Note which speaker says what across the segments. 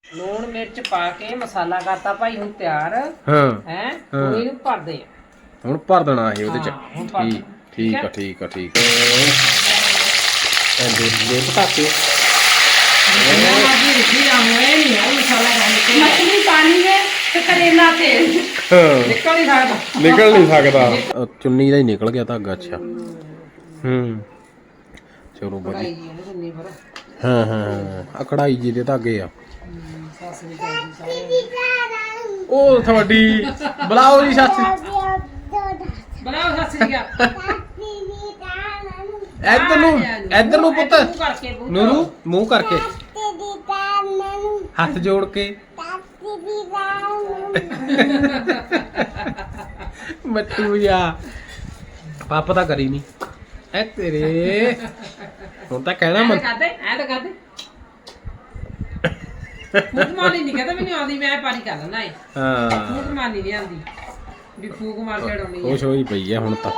Speaker 1: ਲੂਣ ਮਿਰਚ ਪਾ ਕੇ ਮਸਾਲਾ ਕਰਤਾ ਭਾਈ ਹੁਣ ਤਿਆਰ।
Speaker 2: ਹਾਂ
Speaker 1: ਹੈ ਹੁਣ ਇਹਨੂੰ ਭਰਦੇ ਆ।
Speaker 2: ਹੁਣ ਭਰ ਦੇਣਾ ਇਹ ਉਹਦੇ ਚ।
Speaker 1: ਹੁਣ ਭਰ ਦੇਣਾ।
Speaker 2: ਠੀਕ ਆ ਠੀਕ ਆ ਠੀਕ ਆ। ਇਹ ਪਟਾਕੇ
Speaker 1: ਜਿੰਨਾ ਮਰਜ਼ੀ ਰਿੱਝੀ ਜਾਓ ਇਹ ਨਹੀਂ ਹੈ ਮਸਾਲਾ ਪਾਉਣ
Speaker 3: मछली पानी में तो करेला तेल
Speaker 1: ਨਿਕਲ ਨਹੀਂ ਸਕਦਾ।
Speaker 2: ਨਿਕਲ ਨਹੀਂ ਸਕਦਾ। ਚੁੰਨੀ ਦਾ ਹੀ ਨਿਕਲ ਗਿਆ ਧਾਗਾ। ਅੱਛਾ ਹੂੰ ਚਲੋ ਵਧੀਆ।
Speaker 1: ਭਾਈ ਜੀ ਇਹਨੂੰ ਚੁੰਨੀ ਪਰ
Speaker 2: ਹਾਂ ਹਾਂ ਆ ਕਢਾਈ ਜੀ ਦੇ ਧਾਗੇ ਆ।
Speaker 1: ਸੱਸ ਵੀ ਕਰਦੀ ਸਾਰੇ।
Speaker 2: ਉਹ ਤੁਹਾਡੀ ਬੁਲਾਓ ਜੀ ਸੱਸ।
Speaker 1: ਬਣਾਓ ਸੱਸ ਜੀ ਆ।
Speaker 2: ਇੱਧਰ ਨੂੰ ਪੁੱਤ।
Speaker 1: ਮੂੰਹ ਕਰਕੇ
Speaker 2: ਨੂਰੂ ਮੂੰਹ ਕਰਕੇ ਹੱਥ ਜੋੜ ਕੇ ਮੱਟੂ ਜਾ ਪਾਪਾ ਤਾਂ ਕਰੀ ਨਹੀਂ ਐ ਤੇਰੇ ਹੁਣ ਤਾਂ ਕਹਿਣਾ
Speaker 1: ਐ ਤਾਂ ਕਰਦੇ ਫੂਕ ਮਾਰਨੀ ਨਹੀਂ ਕਹਿੰਦਾ ਮੈਨੂੰ ਆਉਂਦੀ ਮੈਂ ਪਾਣੀ ਕਰ ਲੈਣਾ ਏ।
Speaker 2: ਹਾਂ
Speaker 1: ਫੂਕ ਮਾਰਨੀ ਨਹੀਂ ਆਉਂਦੀ ਵੀ ਫੂਕ ਮਾਰ ਕੇ ਉਡਾਉਣੀ
Speaker 2: ਖੁਸ਼ ਹੋਈ ਪਈ ਆ ਹੁਣ ਤਾਂ।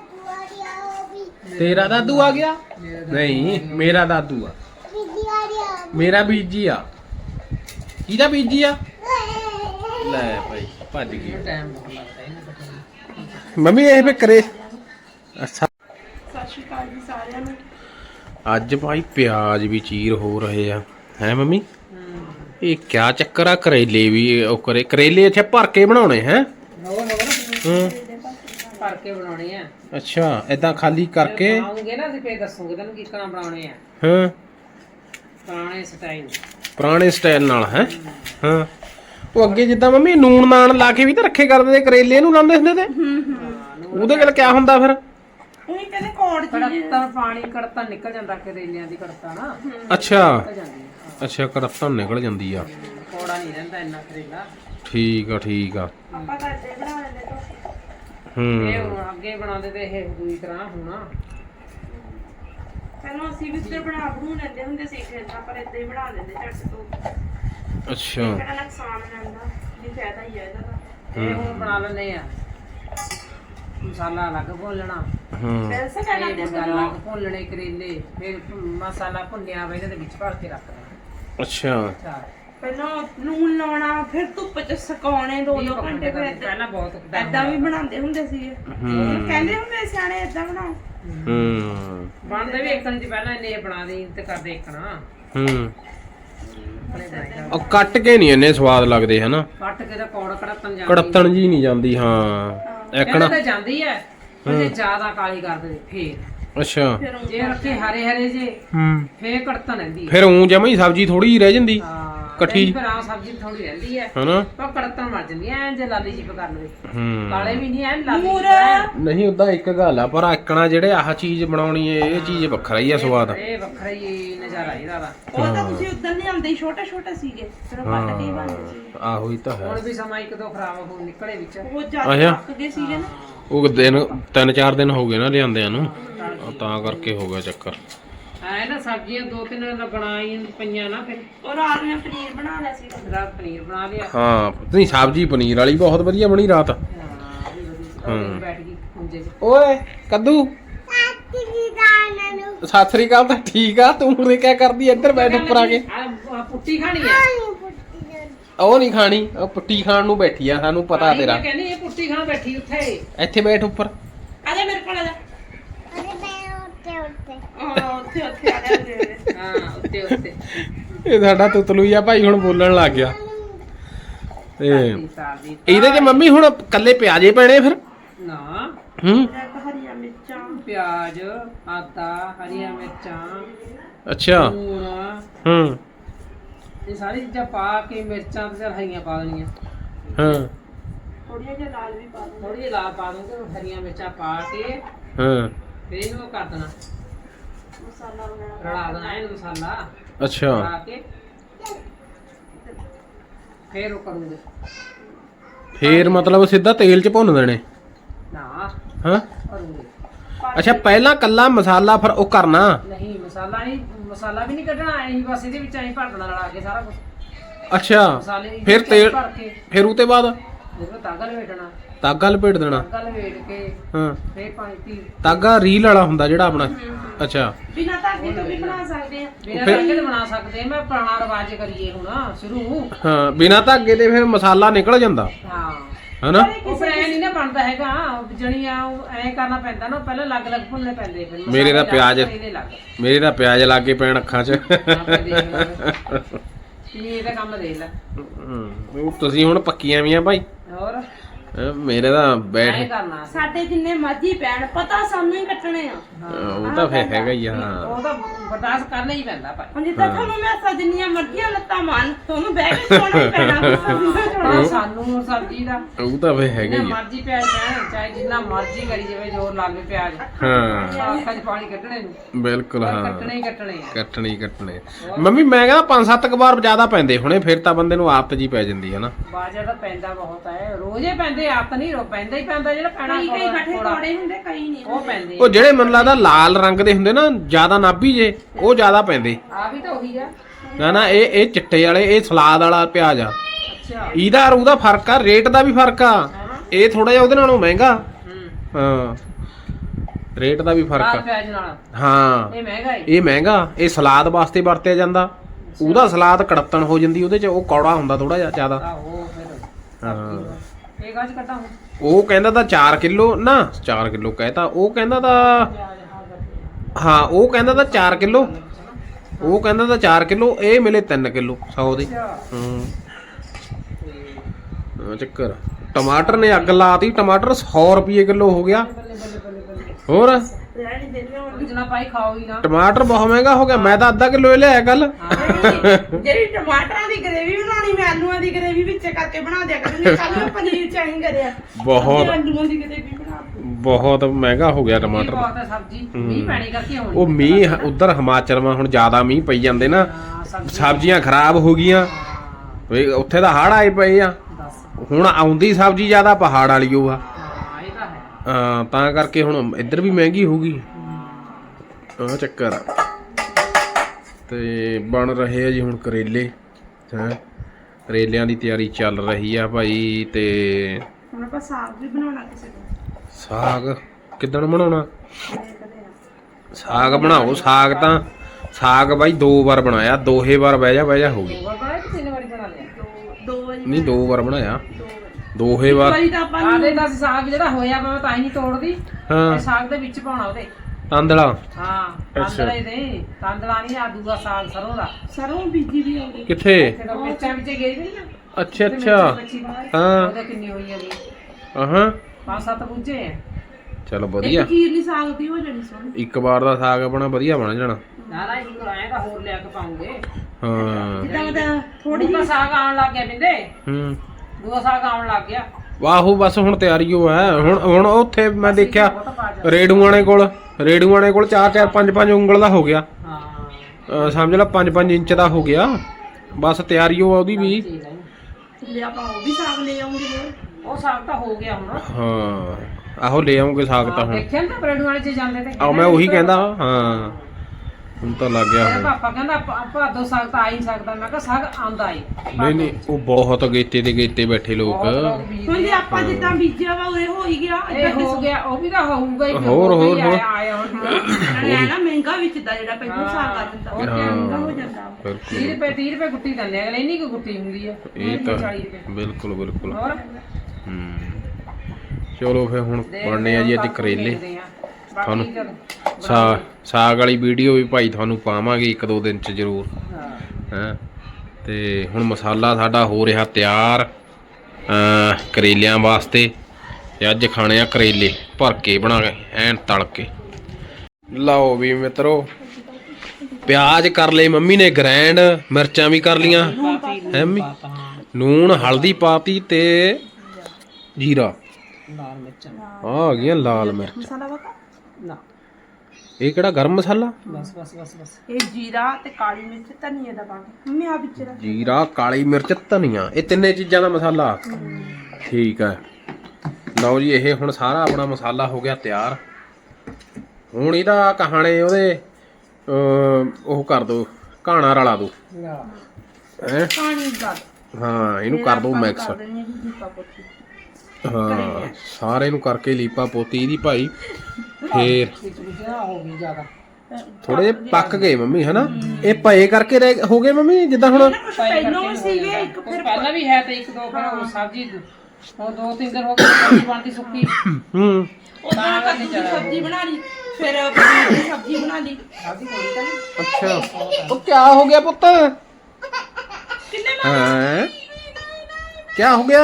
Speaker 2: ਤੇਰਾ ਦਾਦੂ ਆ ਗਿਆ? ਨਹੀਂ ਮੇਰਾ ਦਾਦੂ ਆ। ਮੇਰਾ ਬੀਜੀ ਆ। ਕਿਹਦਾ ਬੀਜੀ ਆ? ਲੈ ਭਾਈ ਭੱਜ ਗਈ
Speaker 1: ਟਾਈਮ ਬਹੁਤ ਲੱਗਦਾ ਇਹਨਾਂ ਬੱਚਿਆਂ
Speaker 2: ਮੰਮੀ ਇਹ ਫੇ ਕਰੇ। ਅੱਛਾ
Speaker 3: सत श्री अकाल जी सारिਆਂ ਨੂੰ।
Speaker 2: ਅੱਜ ਭਾਈ ਪਿਆਜ਼ ਵੀ ਚੀਰ ਹੋ ਰਹੇ ਆ ਹੈ ਮੰਮੀ?
Speaker 1: ਨੂੰ।
Speaker 2: ਇਹ ਕਿਆ ਚੱਕਰ ਆ? ਕਰੇਲੇ ਵੀ ਉਹ ਕਰੇ ਕਰੇਲੇ ਇੱਥੇ ਭਰ ਕੇ ਬਣਾਉਣੇ ਹੈ? ਹੂੰ
Speaker 1: ਭਰ ਕੇ ਬਣਾਉਣੇ ਆ।
Speaker 2: ਅੱਛਾ ਏਦਾਂ ਖਾਲੀ ਕਰਕੇ।
Speaker 1: ਆਉਂਗੇ ਨਾ ਤੇ ਫੇਰ ਦੱਸੂਗੇ ਤੈਨੂੰ ਕੀ ਤਰ੍ਹਾਂ ਬਣਾਉਣੇ ਆ
Speaker 2: ਹਾਂ
Speaker 1: ਪੁਰਾਣੇ ਸਟਾਈਲ।
Speaker 2: ਪੁਰਾਣੇ ਸਟਾਈਲ ਨਾਲ ਹੈ। ਹਾਂ ਉਹ ਅੱਗੇ ਜਿੱਦਾਂ ਮੰਮੀ ਨੂਣ ਨਾਨ ਲਾ ਕੇ ਵੀ ਤਾਂ ਰੱਖੇ ਕਰਦੇ ਕਰੇਲੇ ਨੂੰ ਲਾਉਂਦੇ ਹੁੰਦੇ ਤੇ ਉਹਦੇ ਨਾਲ ਕਿਆ ਹੁੰਦਾ ਫਿਰ?
Speaker 3: ਉਹੀ ਕਹਿੰਦੇ ਕੋੜ ਜੀ
Speaker 1: ਕੜਤਾ ਪਾਣੀ ਕੜਤਾ ਨਿਕਲ ਜਾਂਦਾ ਕਰੇਲਿਆਂ ਦੀ ਕੜਤਾ ਨਾ
Speaker 2: ਅੱਛਾ
Speaker 1: ਨਿਕਲ ਜਾਂਦੀ ਆ।
Speaker 2: ਅੱਛਾ ਕਰਫਤਾਂ ਨਿਕਲ ਜਾਂਦੀ ਆ।
Speaker 1: ਕੋੜਾ ਨਹੀਂ ਰਹਿੰਦਾ ਇੰਨਾ ਕਰੇਲਾ।
Speaker 2: ਠੀਕ ਆ ਠੀਕ ਆ।
Speaker 3: ਆਪਾਂ ਕਰਦੇ ਬਣਾ ਲੈਂਦੇ ਤੋਂ।
Speaker 1: ਇਹ
Speaker 2: ਹੂੰ
Speaker 1: ਹੁਣ ਅੱਗੇ ਬਣਾਉਂਦੇ ਤੇ ਇਹ ਦੂਜੀ ਤਰ੍ਹਾਂ ਹੋਣਾ।
Speaker 3: ਪਹਿਲਾਂ ਅਸੀਂ ਵੀ ਤੇ ਬਣੂ ਲੈਂਦੇ ਹੁੰਦੇ ਸੀ ਖੇਤਾਂ ਪਰ ਇਦਾਂ ਹੀ ਬਣਾ ਲੈਂਦੇ ਝੱਟ ਤੋਂ।
Speaker 2: ਅੱਛਾ
Speaker 3: ਕਿਹੜਾ ਨੁਕਸਾਨ ਰਹਿੰਦਾ ਜੀ ਫਾਇਦਾ ਹੀ ਹੈ ਇਹਦਾ ਤਾਂ।
Speaker 1: ਇਹ ਹੁਣ ਬਣਾ ਲੈਂਦੇ ਆ ਮਸਾਲਾ ਅਲੱਗ ਭੁੰਨਣਾ।
Speaker 2: ਹੂੰ
Speaker 3: ਵੈਸੇ ਕਹਿ
Speaker 1: ਇਹ
Speaker 3: ਲੈਂਦੇ
Speaker 1: ਮਸਾਲਾ ਅਲੱਗ ਭੁੰਨਣੇ ਕਰੇਲੇ ਫਿਰ ਮਸਾਲਾ ਭੁੰਨਿਆ ਵਾ ਇਹਦੇ ਵਿੱਚ ਭਰ ਕੇ ਰੱਖਣਾ।
Speaker 2: ਅੱਛਾ
Speaker 1: ਚਾਰ
Speaker 3: ਪਹਿਲਾਂ ਲੂਣ ਲਾਉਣਾ ਫਿਰ ਧੁੱਪ ਚ ਸੁਕਾਉਣੇ 2-2 ਘੰਟੇ ਫਿਰ
Speaker 1: ਪਹਿਲਾਂ ਬਹੁਤ
Speaker 3: ਏਦਾਂ ਵੀ ਬਣਾਉਂਦੇ ਹੁੰਦੇ ਸੀਗੇ। ਕਹਿੰਦੇ ਹੁੰਦੇ ਸਿਆਣੇ ਏਦਾਂ ਬਣਾਓ।
Speaker 2: ਹੂੰ
Speaker 1: ਬਣਦੇ ਵੀ ਇੱਕ ਦਿਨ ਦੀ ਪਹਿਲਾਂ ਇਹਨੇ ਇਹ ਬਣਾ ਦੇ ਤੇ ਕਰਦੇ ਇੱਕਣਾ
Speaker 2: ਹੂੰ ਉਹ ਕੱਟ ਕੇ ਨਹੀਂ ਇੰਨੇ ਸਵਾਦ ਲੱਗਦੇ ਹਨਾ।
Speaker 1: ਕੱਟ ਕੇ ਤਾਂ ਕੌੜ ਕੜਤਨ ਜਾਂਦੀ
Speaker 2: ਕੜਤਣ ਜੀ ਨਹੀਂ ਜਾਂਦੀ। ਹਾਂ
Speaker 1: ਕਹਿੰਦੇ
Speaker 2: ਐਕਣਾ
Speaker 1: ਤਾਂ ਜਾਂਦੀ ਹੈ ਪਰ ਜੇ ਜ਼ਿਆਦਾ ਕਾਲੀ ਕਰ ਦੇ ਫੇਰ
Speaker 2: ਅੱਛਾ
Speaker 1: ਜੇ ਰੱਖੇ ਹਰੇ ਹਰੇ ਜੇ
Speaker 2: ਹੂੰ
Speaker 1: ਫੇਰ ਕੜਤਨ ਰਹਿੰਦੀ ਹੈ।
Speaker 2: ਫਿਰ ਉਂ ਜਮਾ ਹੀ ਸਬਜ਼ੀ ਥੋੜੀ ਜਿਹੀ ਰਹਿ ਜਾਂਦੀ
Speaker 1: ਹਾਂ
Speaker 2: ਇਕੱਠੀ।
Speaker 1: ਪਰ ਆ ਸਬਜ਼ੀ ਥੋੜੀ ਰਹਿੰਦੀ ਹੈ
Speaker 2: ਹਨਾ।
Speaker 1: ਪਰ ਕੜਤਨ ਮਰ ਜਾਂਦੀ ਐ ਜੇ ਲਾਲੀ ਜੀ ਕਰ ਲਵੇ।
Speaker 2: ਹੂੰ
Speaker 1: ਕਾਲੇ ਵੀ ਨਹੀਂ ਐ ਲਾਲੀ
Speaker 3: ਮੂਰ
Speaker 2: ਨਹੀਂ ਉਦਾਂ ਇੱਕ ਗੱਲ ਆ ਪਰ ਆਕਣਾ ਜਿਹੜੇ ਆਹ ਚੀਜ਼ ਬਣਾਉਣੀ ਏ ਇਹ ਚੀਜ਼ ਵੱਖਰਾ ਹੀ ਆ ਸਵਾਦ।
Speaker 1: ਇਹ ਵੱਖਰਾ ਹੀ ਨਜ਼ਾਰਾ ਇਹਦਾ ਵਾ।
Speaker 3: ਉਹ ਤਾਂ ਤੁਸੀਂ ਉਦੋਂ ਲਿਆਂਦੇ ਛੋਟੇ ਛੋਟੇ ਸੀਗੇ ਫਿਰ ਉਹ ਕੱਟ ਕੇ ਹੀ ਬਣਦੇ ਸੀ।
Speaker 2: ਆਹੋ ਹੀ ਤਾਂ ਹੈ।
Speaker 1: ਹੁਣ ਵੀ ਸਮਾਂ ਇੱਕ ਦੋ ਖਰਾਬ ਹੋ ਨਿਕਲੇ ਵਿੱਚ।
Speaker 3: ਉਹ ਜ਼ਿਆਦਾ ਪੱਕ ਗਏ ਸੀਗੇ ਨਾ।
Speaker 2: ਉਹ ਦਿਨ 3-4 ਦਿਨ ਹੋ ਗਏ ਨਾ ਲਿਆਂਦਿਆਂ ਨੂੰ ਤਾਂ ਕਰਕੇ ਹੋ ਗਿਆ ਚੱਕਰ।
Speaker 1: ਐ ਨਾ ਸਬਜ਼ੀਆਂ ਦੋ ਤਿੰਨ ਬਣਾਈਆਂ ਪਈਆਂ ਨਾ ਫਿਰ
Speaker 3: ਉਹ ਰਾਤ ਨੂੰ ਪਨੀਰ ਬਣਾ ਲਿਆ ਸੀ।
Speaker 1: ਰਾਤ ਪਨੀਰ ਬਣਾ ਲਿਆ।
Speaker 2: ਹਾਂ ਨਹੀਂ ਸਬਜ਼ੀ ਪਨੀਰ ਵਾਲੀ ਬਹੁਤ ਵਧੀਆ ਬਣੀ ਰਾਤ।
Speaker 1: ਹਾਂ ਵੀ ਵਧੀਆ ਉਹ ਬੈਠ ਗਈ ਹੁੰਜੇ ਚ।
Speaker 2: ਓਏ ਕੱਦੂ ਸਤਿ ਸ੍ਰੀ ਅਕਾਲ ਤਾਂ ਠੀਕ ਆ ਤੂੰ ਹੁਣ ਕਿਆ ਕਰਦੀ ਇੱਧਰ ਬੈਠ ਉੱਪਰ ਆ ਕੇ।
Speaker 1: ਆਹ ਪੁੱਟੀ ਖਾਣੀ ਆ।
Speaker 2: ਉਹ ਨਹੀਂ ਖਾਣੀ ਉਹ ਪੁੱਟੀ ਖਾਣ ਨੂੰ ਬੈਠੀ ਆ ਸਾਨੂੰ ਪਤਾ ਤੇਰਾ।
Speaker 1: ਮੈਂ ਕਹਿੰਦੀ ਇਹ ਪੁੱਟੀ ਖਾਣ ਬੈਠੀ ਉੱਥੇ।
Speaker 2: ਇੱਥੇ ਬੈਠ ਉੱਪਰ।
Speaker 3: ਆ ਜਾ ਮੇਰੇ ਕੋਲ ਆ ਜਾ। ਉੱਥੇ ਉੱਥੇ ਆ ਜਾ।
Speaker 1: ਹਾਂ ਉੱਤੇ ਉੱਤੇ
Speaker 2: ਇਹ ਸਾਡਾ ਤੁਤਲੂ ਆ ਭਾਈ ਹੁਣ ਬੋਲਣ ਲੱਗ ਗਿਆ। ਤੇ
Speaker 1: ਸਾਲ ਦੀ
Speaker 2: ਇਹਦੇ 'ਚ ਮੰਮੀ ਹੁਣ ਕੱਲੇ ਪਿਆਜ਼ੇ ਪੈਣੇ ਫਿਰ।
Speaker 1: ਨਾ
Speaker 2: ਹੂੰ
Speaker 3: ਹਰੀਆਂ ਮਿਰਚਾਂ
Speaker 1: ਪਿਆਜ਼ ਆਦਾ ਹਰੀਆਂ ਮਿਰਚਾਂ
Speaker 2: ਅੱਛਾ
Speaker 1: ਲੂਣ
Speaker 2: ਹੂੰ
Speaker 1: ਇਹ ਸਾਰੀ ਚੀਜ਼ਾਂ ਪਾ ਕੇ ਮਿਰਚਾਂ ਤੇ ਚੱਲ ਹਰੀਆਂ ਪਾ ਦੇਣੀਆਂ।
Speaker 2: ਹਾਂ
Speaker 3: ਥੋੜੀਆਂ ਜਿਹਾ ਲਾਲ ਵੀ ਪਾ ਦੋ।
Speaker 1: ਥੋੜੀ ਜਿਹੀ ਲਾਲ ਪਾ ਦੂੰਗੇ ਹਰੀਆਂ ਮਿਰਚਾਂ ਪਾ ਕੇ
Speaker 2: ਹਾਂ
Speaker 1: ਫਿਰ ਇਹਨੂੰ ਕਰ ਦੇਣਾ
Speaker 3: ਮਸਾਲਾ ਵਗੈਰਾ
Speaker 1: ਰਲਾ ਦੇਣਾ ਇਹਨੂੰ ਮਸਾਲਾ
Speaker 2: ਅੱਛਾ
Speaker 1: ਰਲਾ ਕੇ ਫਿਰ ਉਹ ਕਰੂੰਗੇ।
Speaker 2: ਫੇਰ ਮਤਲਬ ਸਿੱਧਾ ਤੇਲ 'ਚ ਭੁੰਨ ਦੇਣੇ।
Speaker 1: ਨਾ
Speaker 2: ਹਾਂ
Speaker 1: ਕਰੂੰਗੇ
Speaker 2: ਅੱਛਾ ਪਹਿਲਾਂ ਕੱਲਾ ਮਸਾਲਾ ਫਿਰ ਉਹ ਕਰਨਾ।
Speaker 1: ਨਹੀਂ ਮਸਾਲਾ ਵੀ ਨਹੀਂ ਕੱਢਣਾ ਐਂ ਬਸ ਇਹਦੇ ਵਿੱਚ ਐਂ ਭਰ ਦੇਣਾ ਰਲਾ ਕੇ ਸਾਰਾ ਕੁਝ
Speaker 2: ਅੱਛਾ
Speaker 1: ਮਸਾਲੇ
Speaker 2: ਫਿਰ ਤੇਲ
Speaker 1: ਭਰ ਕੇ
Speaker 2: ਫਿਰ ਉਹ ਤੋਂ ਬਾਅਦ
Speaker 1: ਦੇਖੋ ਤਾਗਾ ਲਵੇਟਣਾ
Speaker 2: ਤਾਗਾ ਲਪੇਟ ਦੇਣਾ।
Speaker 1: ਗੱਲ ਵੇੜ ਕੇ
Speaker 2: ਹਾਂ
Speaker 1: ਫੇਰ ਪਾਣੀ ਪੀ।
Speaker 2: ਤਾਗਾ ਰੀਲ ਵਾਲਾ ਹੁੰਦਾ ਜਿਹੜਾ ਆਪਣਾ। ਅੱਛਾ
Speaker 3: ਬਿਨਾਂ ਧਾਗੇ ਤੋਂ ਵੀ ਬਣਾ ਸਕਦੇ ਆ।
Speaker 1: ਬਿਨਾਂ ਧਾਗੇ ਤੋਂ ਬਣਾ ਸਕਦੇ ਮੈਂ ਪੁਰਾਣਾ ਰਿਵਾਜ ਕਰੀਏ ਹੁਣ ਸ਼ੁਰੂ।
Speaker 2: ਹਾਂ ਬਿਨਾਂ ਧਾਗੇ ਦੇ ਫਿਰ ਮਸਾਲਾ ਨਿਕਲ ਜਾਂਦਾ
Speaker 1: ਹਾਂ
Speaker 2: ਹਨਾ।
Speaker 1: ਉਹ ਫਿਰ ਐ ਨਹੀਂ ਨਾ ਬਣਦਾ ਹੈਗਾ ਜਣੀ ਆ ਐ ਕਰਨਾ ਪੈਂਦਾ ਨਾ ਪਹਿਲਾਂ ਅਲੱਗ ਭੁੰਨਣੇ ਪੈਂਦੇ ਫਿਰ
Speaker 2: ਮੇਰੇ ਤਾਂ ਪਿਆਜ਼ ਮੇਰੇ ਤਾਂ ਪਿਆਜ਼ ਲਾ ਕੇ ਪੈਣ ਅੱਖਾਂ 'ਚ।
Speaker 1: ਇਹ ਤਾਂ ਕੰਮ ਦੇ ਲੈ।
Speaker 2: ਤੁਸੀਂ ਹੁਣ ਪੱਕੀਆਂ ਵੀ ਆ ਭਾਈ।
Speaker 1: ਹੋਰ
Speaker 2: ਮੇਰੇ ਤਾਂ ਬੈਠ
Speaker 1: ਕਰਨਾ
Speaker 3: ਸਾਡੇ ਜਿੰਨੇ ਮਰਜ਼ੀ ਪੈਣ ਪਤਾ ਸਾਨੂੰ ਹੀ ਕੱਟਣੇ ਆ।
Speaker 2: ਉਹ ਤਾਂ ਫਿਰ ਹੈਗਾ ਹੀ ਆ।
Speaker 1: ਉਹ ਤਾਂ ਬਰਦਾਸ਼ਤ ਕਰਨਾ ਹੀ ਪੈਂਦਾ ਭਾਈ।
Speaker 3: ਹੁਣ ਜਿੱਦਾਂ ਤੁਹਾਨੂੰ ਮੈਂ ਸਜਨੀਆਂ ਮਰਜ਼ੀਆਂ ਲੱਤਾਂ ਮਾਨ ਤੁਹਾਨੂੰ ਬਹਿ ਕੇ ਸੋਣਾ ਹੀ ਪੈਣਾ।
Speaker 1: ਸਾਨੂੰ ਸਬਜ਼ੀ ਦਾ
Speaker 2: ਉਹ ਤਾਂ ਫਿਰ ਹੈਗਾ
Speaker 1: ਜਿੰਨਾ
Speaker 2: ਹੀ ਆ।
Speaker 1: ਮਰਜ਼ੀ ਪਿਆਜ਼ ਪੈਣ ਚਾਹੇ ਜਿੰਨਾ ਮਰਜ਼ੀ ਕਰੀ ਜਾਵੇ ਜ਼ੋਰ ਲਾਵੇ ਪਿਆਜ਼
Speaker 2: ਹਾਂ
Speaker 1: ਅੱਖਾਂ 'ਚ ਪਾਣੀ ਕੱਢਣੇ ਨੂੰ
Speaker 2: ਬਿਲਕੁਲ ਹਾਂ
Speaker 1: ਕੱਟਣੇ ਹੀ ਕੱਟਣੇ ਆ।
Speaker 2: ਕੱਟਣੇ ਮੰਮੀ ਮੈਂ ਕਹਿੰਦਾ 5-7 ਵਾਰ ਜ਼ਿਆਦਾ ਪੈਂਦੇ ਹੁਣੇ ਫਿਰ ਤਾਂ ਬੰਦੇ ਨੂੰ ਆਦਤ ਜੀ ਪੈ ਜਾਂਦੀ ਹੈ ਨਾ।
Speaker 1: ਬਾਜਾ ਤਾਂ ਪੈਂਦਾ ਬਹੁਤ ਹੈ ਰੋਜ਼ੇ ਪੈਂਦੇ ਆਪ ਨਹੀਂ ਪੈਂਦਾ ਹੀ ਪੈਂਦਾ ਜਿਹੜਾ ਪੈਣਾ
Speaker 3: ਕਈ ਇਕੱਠੇ ਤੋੜੇ ਹੁੰਦੇ ਕਈ ਨਹੀਂ।
Speaker 1: ਉਹ ਪੈਂਦੇ
Speaker 2: ਉਹ ਜਿਹੜੇ ਮੈਨੂੰ ਲੱਗਦਾ ਲਾਲ ਰੰਗ ਦੇ ਹੁੰਦੇ ਨਾ ਜ਼ਿਆਦਾ ਨਾਭੀ ਜੇ ਉਹ ਜ਼ਿਆਦਾ ਪੈਂਦੇ।
Speaker 1: ਆ ਵੀ ਤਾਂ ਉਹੀ ਆ।
Speaker 2: ਨਾ ਇਹ ਚਿੱਟੇ ਵਾਲੇ ਇਹ ਸਲਾਦ ਵਾਲਾ ਪਿਆਜ਼ ਆ।
Speaker 1: ਅੱਛਾ
Speaker 2: ਇਹਦਾ ਉਹਦਾ ਫਰਕ ਆ ਰੇਟ ਦਾ ਵੀ ਫਰਕ ਆ। ਇਹ ਥੋੜਾ ਜਿਹਾ ਉਹਦੇ ਨਾਲੋਂ ਮਹਿੰਗਾ। ਹਾਂ ਰੇਟ ਦਾ ਵੀ ਫਰਕ
Speaker 1: ਲਾਲ
Speaker 2: ਆ।
Speaker 1: ਪਿਆਜ਼ ਨਾਲ
Speaker 2: ਹਾਂ
Speaker 1: ਇਹ ਮਹਿੰਗਾ ਹੈ।
Speaker 2: ਇਹ ਮਹਿੰਗਾ ਇਹ ਸਲਾਦ ਵਾਸਤੇ ਵਰਤਿਆ ਜਾਂਦਾ। ਉਹਦਾ ਸਲਾਦ ਕੜੱਤਣ ਹੋ ਜਾਂਦੀ ਉਹਦੇ ਚ ਉਹ ਕੌੜਾ ਹੁੰਦਾ ਥੋੜਾ ਜਿਹਾ ਜ਼ਿਆਦਾ।
Speaker 1: ਆਹੋ ਫਿਰ
Speaker 2: ਹਾਂ
Speaker 1: ਇਹ ਗਾਜ ਕੱਟਾਂ ਹੁਣ
Speaker 2: ਉਹ ਕਹਿੰਦਾ ਤਾਂ 4 ਕਿਲੋ ਨਾ 4 ਕਿਲੋ ਕਹਿਤਾ ਉਹ ਕਹਿੰਦਾ ਤਾਂ ਹਾਂ ਉਹ ਕਹਿੰਦਾ ਤਾਂ 4 ਕਿਲੋ ਉਹ ਕਹਿੰਦਾ ਤਾਂ 4 ਕਿਲੋ ਇਹ ਮਿਲੇ 3 ਕਿਲੋ 100 ਦੇ। ਚੱਕਰ ਟਮਾਟਰ ਨੇ ਅੱਗ ਲਾਤੀ ਟਮਾਟਰ 100 ਰੁਪਏ ਕਿਲੋ ਹੋ ਗਿਆ। ਹੋਰ
Speaker 1: ਜਿੰਨਾ ਪਾਈ ਖਾਓ ਹੀ ਨਾ।
Speaker 2: ਟਮਾਟਰ ਬਹੁਤ ਮਹਿੰਗਾ ਹੋ ਗਿਆ। ਮੈਂ ਤਾਂ ਅੱਧਾ ਕਿਲੋ ਲਿਆਇਆ ਕੱਲ।
Speaker 3: ਜਿਹੜੀ ਟਮਾਟਰਾਂ ਦੀ ਗ੍ਰੇਵੀ ਬਣਾਉਣੀ ਮੈਂ ਆਲੂਆਂ ਦੀ ਗ੍ਰੇਵੀ ਵਿੱਚ ਕਰਕੇ ਬਣਾ ਦਿਆ ਕਰੂੰਗੀ। ਕੱਲ ਮੈਂ ਪਨੀਰ ਚਾਹੀ ਕਰਿਆ
Speaker 2: ਬਹੁਤ
Speaker 3: ਆਲੂਆਂ ਦੀ ਗ੍ਰੇਵੀ ਬਣਾ
Speaker 2: ਬਹੁਤ ਮਹਿੰਗਾ ਹੋ ਗਿਆ ਟਮਾਟਰ।
Speaker 1: ਬਹੁਤ ਹੈ ਸਬਜ਼ੀ ਮੀਂਹ ਪੈਣੇ ਕਰਕੇ ਹੁਣ
Speaker 2: ਉਹ ਮੀਂਹ ਉਧਰ ਹਿਮਾਚਲ ਮਾ ਹੁਣ ਜ਼ਿਆਦਾ ਮੀਂਹ ਪਈ ਜਾਂਦੇ ਨਾ ਸਬਜ਼ੀਆਂ ਖਰਾਬ ਹੋ ਗਈਆਂ। ਉੱਥੇ ਤਾਂ ਹੜ੍ਹ ਆਏ ਪਏ ਆ। ਹੁਣ ਆਉਂਦੀ ਸਬਜ਼ੀ ਜ਼ਿਆਦਾ ਪਹਾੜ ਵਾਲੀ ਉਹ ਆ।
Speaker 1: ਇਹ ਤਾਂ ਹੈ।
Speaker 2: ਹਾਂ ਤਾਂ ਕਰਕੇ ਹੁਣ ਇੱਧਰ ਵੀ ਮਹਿੰਗੀ ਹੋ ਗਈ। ਆਹ ਚੱਕਰ ਆ। ਤੇ ਬਣ ਰਹੇ ਆ ਜੀ ਹੁਣ ਕਰੇਲੇ। ਹੈਂ ਕਰੇਲਿਆਂ ਦੀ ਤਿਆਰੀ ਚੱਲ ਰਹੀ ਆ ਭਾਈ। ਤੇ
Speaker 3: ਹੁਣ ਆਪਾਂ ਸਾਗ ਵੀ ਬਣਾਉਣਾ ਕਿਸੇ ਦਿਨ।
Speaker 2: ਸਾਗ ਕਿੱਦਣ ਬਣਾਉਣਾ? ਸਾਗ ਬਣਾਓ। ਸਾਗ ਬਾਈ 2 ਵਾਰ ਬਣਾਇਆ। ਦੋਹੇ ਵਾਰ ਬਹਿ ਜਾ ਹੋ ਗਈ।
Speaker 1: ਤਿੰਨ ਵਾਰੀ ਬਣਾ ਲਿਆ।
Speaker 3: 2 ਵਜੇ
Speaker 2: ਨਹੀਂ 2 ਵਾਰ ਬਣਾਇਆ ਦੋਹੇ ਵਾਰ।
Speaker 3: ਤਾਂ ਆਪਾਂ
Speaker 1: ਆਦੇ ਦਾ ਸਾਗ ਜਿਹੜਾ ਹੋਇਆ ਮੈਂ ਤਾਂ ਹੀ ਨਹੀਂ ਤੋੜਦੀ।
Speaker 2: ਹਾਂ
Speaker 1: ਇਹ ਸਾਗ ਦੇ ਵਿੱਚ ਪਾਉਣਾ ਉਹਦੇ।
Speaker 2: ਤਾਂਦਲਾ
Speaker 1: ਹਾਂ ਤਾਂਦਲੇ ਦੇ ਤਾਂਦਲਾ ਨਹੀਂ ਆ ਦੂਆ ਸਾਗ ਸਰੋਂ ਦਾ।
Speaker 3: ਸਰੋਂ ਬੀਜੀ ਵੀ ਆਉਂਦੀ
Speaker 2: ਕਿੱਥੇ?
Speaker 1: ਫਿਰ ਉਹ ਮਿਰਚਾਂ ਵਿੱਚ ਗਈ ਵੀ ਨਾ।
Speaker 2: ਅੱਛਾ ਹਾਂ
Speaker 1: ਉਹਦੇ ਕਿੰਨੀ ਹੋਈ ਹੈਗੀ
Speaker 2: ਹਾਂ
Speaker 1: 5-7 ਬੁੱਝੇ ਆ।
Speaker 2: ਚਲੋ ਵਧੀਆ।
Speaker 3: ਖੀਰ ਨਹੀਂ ਸਾਗ ਦੀ ਹੋ ਜਾਣੀ ਸੋਹਣੀ।
Speaker 2: ਇੱਕ ਵਾਰ ਦਾ ਸਾਗ ਆਪਣਾ ਵਧੀਆ ਬਣ ਜਾਣਾ।
Speaker 1: ਨਾ ਇੱਕ ਆਏਗਾ ਹੋਰ ਲਿਆ ਕੇ ਪਾਉਂਗੇ।
Speaker 2: ਹਾਂ
Speaker 3: ਜਿੱਦਾਂ ਦਾ
Speaker 1: ਥੋੜੀ ਜਿਹੀ ਸਾਗ ਆਉਣ ਲੱਗ ਗਿਆ ਬਿੰਦੇ।
Speaker 2: ਹੂੰ
Speaker 1: ਦੂਆ ਸਾਗ ਆਉਣ ਲੱਗ ਗਿਆ।
Speaker 2: ਵਾਹੋ ਬਸ ਹੁਣ ਤਿਆਰੀ ਹੋ ਹੈ। ਹੁਣ ਉੱਥੇ ਮੈਂ ਦੇਖਿਆ ਰੇੜੂਆਣੇ ਕੋਲ 4-4 5-5 ਉਂਗਲ ਦਾ ਹੋ ਗਿਆ।
Speaker 1: ਹਾਂ
Speaker 2: ਸਮਝ ਲਾ 5-5 ਇੰਚ ਦਾ ਹੋ ਗਿਆ। ਬਸ ਤਿਆਰੀ ਹੋ ਉਹਦੀ ਵੀ।
Speaker 3: ਲੈ ਆਪਾਂ ਉਹ ਵੀ ਸਾਗ ਲੈ ਆਉਂਗੇ।
Speaker 1: ਉਹ ਸਾਗ ਤਾਂ ਹੋ ਗਿਆ ਹੁਣ।
Speaker 2: ਹਾਂ ਆਹੋ ਲੈ ਆਉਂਗੇ ਸਾਗ ਤਾਂ ਹੁਣ।
Speaker 1: ਦੇਖਿਆ ਨਾ ਬਰੇਡ ਵਾਲੇ ਚ ਜਾਂਦੇ ਤੇ
Speaker 2: ਆ ਮੈਂ ਉਹੀ ਕਹਿੰਦਾ। ਹਾਂ ਹੁਣ ਤਾਂ ਲੱਗ ਗਿਆ।
Speaker 1: ਮੇਰੇ ਪਾਪਾ ਕਹਿੰਦਾ ਭਾਦੋ ਸਾਗ ਤਾਂ ਆ ਹੀ ਸਕਦਾ। ਮੈਂ ਕਿਹਾ ਸਾਗ ਆਉਂਦਾ ਈ।
Speaker 2: ਨਹੀਂ ਉਹ ਬਹੁਤ ਗੇਤੇ ਦੇ ਗੇਤੇ ਬੈਠੇ ਲੋਕ।
Speaker 3: ਹੁਣ ਜੇ ਆਪਾਂ ਜਿੱਦਾਂ ਬੀਜਿਆ ਵਾ ਉਹ ਹੋ ਹੀ ਗਿਆ।
Speaker 1: ਇਹ ਹੋ ਗਿਆ ਉਹ ਵੀ ਤਾਂ ਹੋਊਗਾ ਹੀ।
Speaker 2: ਹੋਰ
Speaker 1: ਆਇਆ ਹੁਣ
Speaker 3: ਨਾ ਮਹਿੰਗਾ ਵਿੱਚ ਦਾ ਜਿਹੜਾ ਪਹਿਲਾਂ ਸਾਗ ਆ ਜਾਂਦਾ ਉਹ ਮਹਿੰਗਾ ਹੋ ਜਾਂਦਾ।
Speaker 1: 30 ਰੁਪਏ ਗੁੱਟੀ ਦਿੰਦੇ ਅਗਲੇ ਇੰਨੀ ਕੁ ਗੁੱਟੀ ਹੁੰਦੀ ਆ।
Speaker 2: ਇਹ ਤਾਂ
Speaker 1: 40 ਰੁਪਏ
Speaker 2: ਬਿਲਕੁਲ
Speaker 1: ਹੋਰ
Speaker 2: ਚਲੋ ਫਿਰ ਹੁਣ ਬਣਨੇ ਆ ਜੀ ਅੱਜ ਕਰੇਲੇ। ਤੁਹਾਨੂੰ
Speaker 1: ਸਾਨੂੰ
Speaker 2: ਸਾਗ ਵਾਲੀ ਵੀਡੀਓ ਵੀ ਭਾਈ ਤੁਹਾਨੂੰ ਪਾਵਾਂਗੇ 1-2 ਦਿਨ ਚ ਜ਼ਰੂਰ। ਹੈਂ ਤੇ ਹੁਣ ਮਸਾਲਾ ਸਾਡਾ ਹੋ ਰਿਹਾ ਤਿਆਰ ਕਰੇਲਿਆਂ ਵਾਸਤੇ। ਤੇ ਅੱਜ ਖਾਣੇ ਆ ਕਰੇਲੇ ਭਰ ਕੇ ਬਣਾ ਕੇ ਐਨ ਤਲ ਕੇ। ਲਓ ਵੀ ਮਿੱਤਰੋ ਪਿਆਜ਼ ਕਰ ਲਏ ਮੰਮੀ ਨੇ ਗ੍ਰੈਂਡ। ਮਿਰਚਾਂ ਵੀ ਕਰ ਲੀਆਂ ਹੈ ਮੰਮੀ। ਨੂਣ ਹਲਦੀ ਪਾਤੀ ਤੇ ਜੀਰਾ।
Speaker 1: ਲਾਲ ਮਿਰਚਾਂ
Speaker 2: ਆ ਗਈਆਂ ਲਾਲ ਮਿਰਚ।
Speaker 3: ਮਸਾਲਾ ਵਾ
Speaker 1: ਨਾ
Speaker 2: ਇਹ ਕਿਹੜਾ ਗਰਮ ਮਸਾਲਾ?
Speaker 1: ਬਸ
Speaker 3: ਇਹ ਜੀਰਾ ਤੇ ਕਾਲੀ ਮਿਰਚ ਧਨੀਆ ਦਾ ਪਾ ਕੇ ਮੰਮੀ ਆ ਵਿੱਚ ਰੱਖ।
Speaker 2: ਜੀਰਾ ਕਾਲੀ ਮਿਰਚ ਧਨੀਆ ਇਹ ਤਿੰਨੇ ਚੀਜ਼ਾਂ ਦਾ ਮਸਾਲਾ। ਠੀਕ ਹੈ ਲਓ ਜੀ ਇਹ ਹੁਣ ਸਾਰਾ ਆਪਣਾ ਮਸਾਲਾ ਹੋ ਗਿਆ ਤਿਆਰ। ਹੁਣ ਇਹਦਾ ਕਹਾਣੇ ਉਹਦੇ ਉਹ ਕਰ ਦੋ ਘਾਣਾ ਰਲਾ ਦੋ ਹੈ।
Speaker 3: ਪਾਣੀ ਦਾ
Speaker 2: ਹਾਂ ਇਹਨੂੰ ਕਰ ਦੋ ਮਿਕਸ। ਹਾਂ ਸਾਰੇ ਨੂੰ ਕਰਕੇ ਲੀਪਾ ਪੋਤੀ ਇਹਦੀ ਭਾਈ ਫੇਰ
Speaker 1: ਵਿੱਚ ਹੋ ਗਈ ਜ਼ਿਆਦਾ
Speaker 2: ਥੋੜੇ ਜਿਹੇ ਪੱਕ ਗਏ ਮੰਮੀ ਹਨਾ ਇਹ ਪਏ ਕਰਕੇ ਹੋ ਗਏ ਮੰਮੀ ਜਿੱਦਾਂ ਹੁਣ
Speaker 3: ਪਹਿਲਾਂ ਸੀਗੇ ਇੱਕ
Speaker 1: ਫਿਰ ਪਹਿਲਾਂ ਵੀ ਹੈ ਤੇ ਇੱਕ ਦੋ ਫਿਰ ਉਹ ਸਬਜ਼ੀ ਹੁਣ 2-3 ਦਿਨ ਹੋ ਗਏ ਸਬਜ਼ੀ ਬਣਦੀ ਸੁੱਕੀ
Speaker 2: ਹੂੰ
Speaker 3: ਉਹਦਾ ਕੱਦੂ ਦੀ ਸਬਜ਼ੀ ਬਣਾ ਲਈ ਫਿਰ ਪਨੀਰ ਦੀ ਸਬਜ਼ੀ ਬਣਾ ਲਈ
Speaker 1: ਸਬਜ਼ੀ ਥੋੜੀ ਤਾਂ ਨਹੀਂ
Speaker 2: ਅੱਛਾ ਉਹ ਕੀ ਹੋ ਗਿਆ ਪੁੱਤ
Speaker 3: ਕਿੰਨੇ
Speaker 2: ਹਾਂ ਕੀ ਹੋ ਗਿਆ